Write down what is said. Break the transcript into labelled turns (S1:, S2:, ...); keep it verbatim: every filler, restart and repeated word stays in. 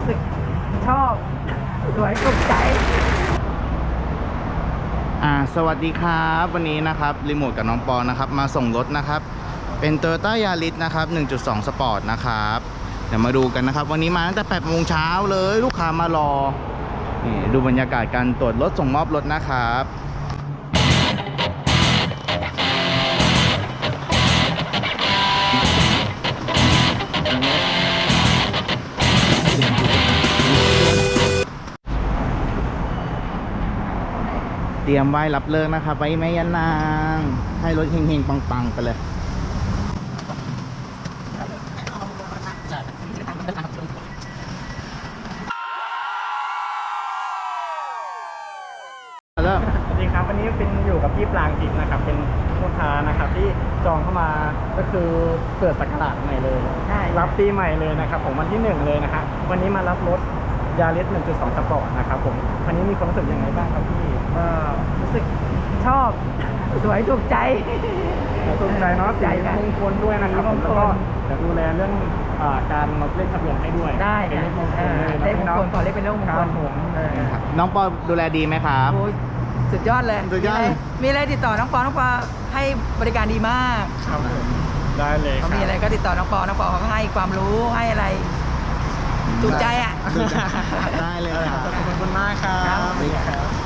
S1: สึกชอบสวยถูกใจ
S2: อ่าสวัสดีครับวันนี้นะครับรีโมทกับน้องปอนะครับมาส่งรถนะครับเป็น Toyota Yaris นะครับ หนึ่งจุดสอง Sport นะครับเดี๋ยวมาดูกันนะครับวันนี้มาตั้งแต่แปดโมงเช้าเลยลูกค้ามารอนี่ดูบรรยากาศการตรวจรถส่งมอบรถนะครับเตรียมไว้รับเลิกนะครับไว้แม่ยันนางให้รถเฮงๆปังๆไปเลยเริ่ม
S3: สวัสดีครับวันนี้เป็นอยู่กับพี่ปรางทิพย์นะครับเป็นลูกค้านะครับที่จองเข้ามาก็คือเปิดสักราชใหม่เลย
S1: ใช่
S3: รับปีใหม่เลยนะครับผมวันที่หนึ่งเลยนะฮะวันนี้มารับรถยาริส หนึ่งจุดสอง สปอร์ตนะครับผมวันนี้มีความรู้สึกยังไงบ้างครับพี่
S1: ก็รู้สึกชอบสวยถูกใจ
S3: ถูกใจเนาะ
S1: ใจ
S3: สี
S1: ค่ะ
S3: มงคลด้วยนะครับผม
S1: สีมงคล
S3: แล้วก็เดี๋ยวดูแลเรื่องอ่าการลดเลขทะเบียนให้ด้วย
S1: ได้
S3: เป็น
S1: ค่ะ
S3: เลขมงคลเลยนะ
S1: เลขมงคลขอเลขเป็นเลขมง
S3: ค
S1: ค
S3: รั
S1: ล
S3: บผม
S1: เออ
S2: น้องปอดูแลดีไหมครับ
S1: โอ้ยสุดยอดเลย
S2: สุดยอด
S1: มีะไรมีอะไรติดต่อน้องปอน้องปอให้บริการดีมาก
S3: ครับผมได้เลยค
S1: เขา
S3: รับ
S1: มีอะไรก็ติดต่อน้องปอน้องปอเขาก็ให้ความรู้ให้อะไรถูกใจอ่ะ
S2: ได้เลยครับ
S3: ขอบคุณมากครับ
S1: ครับ
S3: สวัสดีครับ